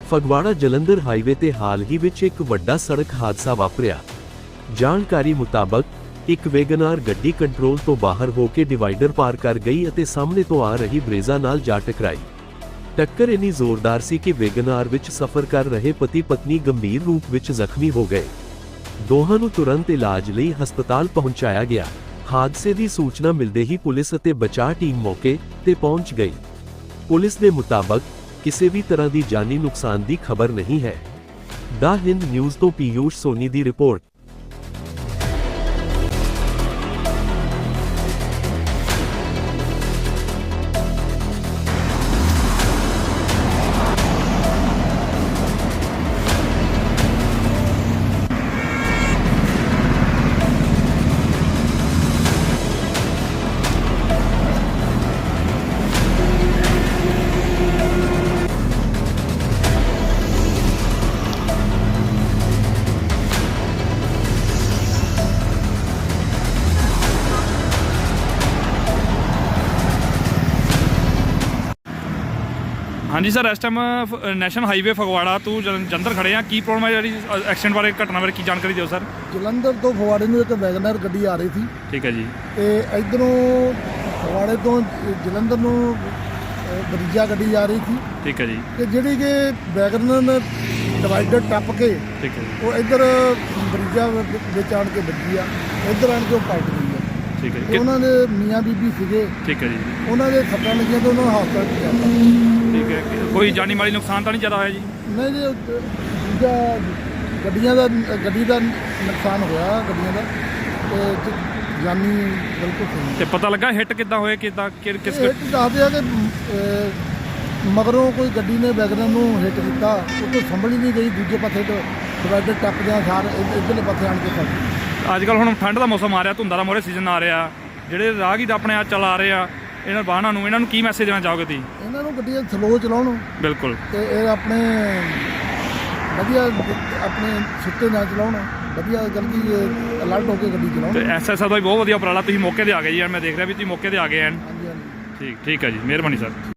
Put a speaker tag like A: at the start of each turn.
A: Phagwara Jalandhar highway ਤੇ ਹਾਲ ਹੀ ਵਿੱਚ ਇੱਕ ਵੱਡਾ ਸੜਕ ਹਾਦਸਾ ਵਾਪਰਿਆ। ਜਾਣਕਾਰੀ ਮੁਤਾਬਕ ਇੱਕ ਵੈਗਨਆਰ ਗੱਡੀ ਕੰਟਰੋਲ ਤੋਂ ਬਾਹਰ ਹੋ ਕੇ ਡਿਵਾਈਡਰ ਪਾਰ ਕਰ ਗਈ ਅਤੇ ਸਾਹਮਣੇ ਤੋਂ ਆ ਰਹੀ ਬ੍ਰੇਜ਼ਾ ਨਾਲ ਜਾ ਟਕਰਾਈ। ਟੱਕਰ ਇੰਨੀ ਜ਼ੋਰਦਾਰ ਸੀ ਕਿ ਵੈਗਨਆਰ ਵਿੱਚ ਸਫ਼ਰ ਕਰ ਰਹੇ ਪਤੀ ਪਤਨੀ ਗੰਭੀਰ ਰੂਪ ਵਿੱਚ ਜ਼ਖਮੀ ਹੋ ਗਏ। ਦੋਹਾਂ ਨੂੰ ਤੁਰੰਤ ਇਲਾਜ ਲਈ ਹਸਪਤਾਲ ਪਹੁੰਚਾਇਆ ਗਿਆ। ਹਾਦਸੇ ਦੀ ਸੂਚਨਾ ਮਿਲਦੇ ਹੀ ਪੁਲਿਸ ਅਤੇ ਬਚਾਅ ਟੀਮ ਮੌਕੇ ਤੇ ਪਹੁੰਚ ਗਈ। ਪੁਲਿਸ ਦੇ ਮੁਤਾਬਕ ਕਿਸੇ ਵੀ ਤਰ੍ਹਾਂ ਦੀ ਜਾਨੀ ਨੁਕਸਾਨ ਦੀ ਖਬਰ ਨਹੀਂ ਹੈ। ਦਾ ਹਿੰਦ ਨਿਊਜ਼ ਤੋਂ ਪੀਯੂਸ਼ ਸੋਨੀ ਦੀ ਰਿਪੋਰਟ।
B: ਹਾਂਜੀ ਸਰ, ਇਸ ਟਾਈਮ ਨੈਸ਼ਨਲ ਹਾਈਵੇ ਫਗਵਾੜਾ ਤੋਂ ਜਲੰਧਰ ਖੜੇ ਆ। ਕੀ ਪ੍ਰੋਬਲਮ ਹੈ ਜਿਹੜੀ ਐਕਸੀਡੈਂਟ ਬਾਰੇ, ਘਟਨਾ ਬਾਰੇ ਕੀ ਜਾਣਕਾਰੀ ਦਿਓ ਸਰ।
C: ਜਲੰਧਰ ਤੋਂ ਫਗਵਾੜੇ ਨੂੰ ਇੱਕ ਵੈਗਨਰ ਗੱਡੀ ਆ ਰਹੀ ਸੀ।
B: ਠੀਕ ਹੈ ਜੀ।
C: ਤੇ ਇਧਰੋਂ ਫਗਵਾੜੇ ਤੋਂ ਜਲੰਧਰ ਨੂੰ ਬਰੀਜਾ ਗੱਡੀ ਆ ਰਹੀ ਸੀ।
B: ਠੀਕ ਹੈ ਜੀ।
C: ਤੇ ਜਿਹੜੀ ਕਿ ਵੈਗਨਰ ਨੇ ਡਿਵਾਈਡਰ ਟੱਪ ਕੇ
B: ਠੀਕ ਹੈ ਜੀ।
C: ਉਹ ਇੱਧਰ ਬਰੀਜਾ ਵਿੱਚ ਆਣ ਕੇ ਵੱਜੀ ਆ, ਇੱਧਰ ਆਣ ਕੇ ਉਹ ਪਲਟ ਗਈ ਆ।
B: ਠੀਕ ਹੈ
C: ਤੇ
B: ਜੀ।
C: ਉਹਨਾਂ ਦੇ ਮੀਆਂ ਬੀਬੀ ਸੀਗੇ,
B: ਠੀਕ ਹੈ ਜੀ।
C: ਉਹਨਾਂ ਦੇ ਸੱਟਾਂ ਲੱਗੀਆਂ ਤੇ ਉਹਨਾਂ ਨੂੰ ਹਸਪਤਾਲ ਪਹੁੰਚਾਇਆ।
B: ਠੀਕ ਹੈ, ਕੋਈ ਜਾਨੀ ਮਾਲੀ ਨੁਕਸਾਨ ਤਾਂ ਨਹੀਂ ਜ਼ਿਆਦਾ ਹੋਇਆ ਜੀ?
C: ਨਹੀਂ ਜੀ, ਦੂਜਾ ਗੱਡੀ ਦਾ ਨੁਕਸਾਨ ਹੋਇਆ, ਗੱਡੀਆਂ ਦਾ, ਤੇ ਜਾਨੀ ਬਿਲਕੁਲ ਸਹੀ।
B: ਤੇ ਪਤਾ ਲੱਗਾ ਹਿੱਟ ਕਿੱਦਾਂ ਹੋਏ, ਕਿੱਦਾਂ ਕਿਸ
C: ਹਿੱਟ ਦੱਸਦੇ ਆ ਕਿ ਮਗਰੋਂ ਕੋਈ ਗੱਡੀ ਨੇ ਵੈਗਨਰ ਨੂੰ ਹਿੱਟ ਕੀਤਾ, ਉਹ ਤੋਂ ਸੰਭਲ ਹੀ ਨਹੀਂ ਗਈ, ਦੂਜੇ ਪਾਸੇ ਤੋਂ ਡਿਵਾਈਡਰ ਟੱਪਦਿਆਂ ਸਾਰ ਇੱਧਰਲੇ ਪਾਸੇ ਆਣ ਕੇ ਫਸ ਗਈ।
B: ਅੱਜ ਕੱਲ੍ਹ ਹੁਣ ਠੰਡ ਦਾ ਮੌਸਮ ਆ ਰਿਹਾ, ਧੁੰਦਾਂ ਦਾ ਮੋਰੇ ਸੀਜ਼ਨ ਆ ਰਿਹਾ, ਜਿਹੜੇ ਰਾਹਗੀਰ ਆਪਣੇ ਆਪ ਚਲਾ ਰਹੇ ਆ ਇਹਨਾਂ ਵਾਹਨਾਂ ਨੂੰ, ਇਹਨਾਂ ਨੂੰ ਕੀ ਮੈਸੇਜ ਦੇਣਾ ਚਾਹੋਗੇ ਤੁਸੀਂ?
C: ਇਹਨਾਂ ਨੂੰ ਗੱਡੀਆਂ ਸਲੋ ਚਲਾਉਣ।
B: ਬਿਲਕੁਲ।
C: ਤੇ ਇਹ ਆਪਣੇ ਵਧੀਆ ਆਪਣੇ ਸੁੱਤੇ ਨਾ ਚਲਾਉਣ, ਵਧੀਆ ਜਲਦੀ ਅਲਰਟ ਹੋ ਕੇ ਗੱਡੀ ਚਲਾਉਣ।
B: ਤੇ ਐਸਐਸਆਰ ਦਾ ਵੀ ਬਹੁਤ ਵਧੀਆ ਉਪਰਾਲਾ, ਤੁਸੀਂ ਮੌਕੇ ਤੇ ਆ ਗਏ ਜੀ। ਮੈਂ ਦੇਖ ਰਿਹਾ ਵੀ ਤੁਸੀਂ ਮੌਕੇ ਤੇ ਆ ਗਏ ਐਨ।
C: ਹਾਂਜੀ ਹਾਂਜੀ।
B: ਠੀਕ ਹੈ ਜੀ, ਮਿਹਰਬਾਨੀ ਸਰ।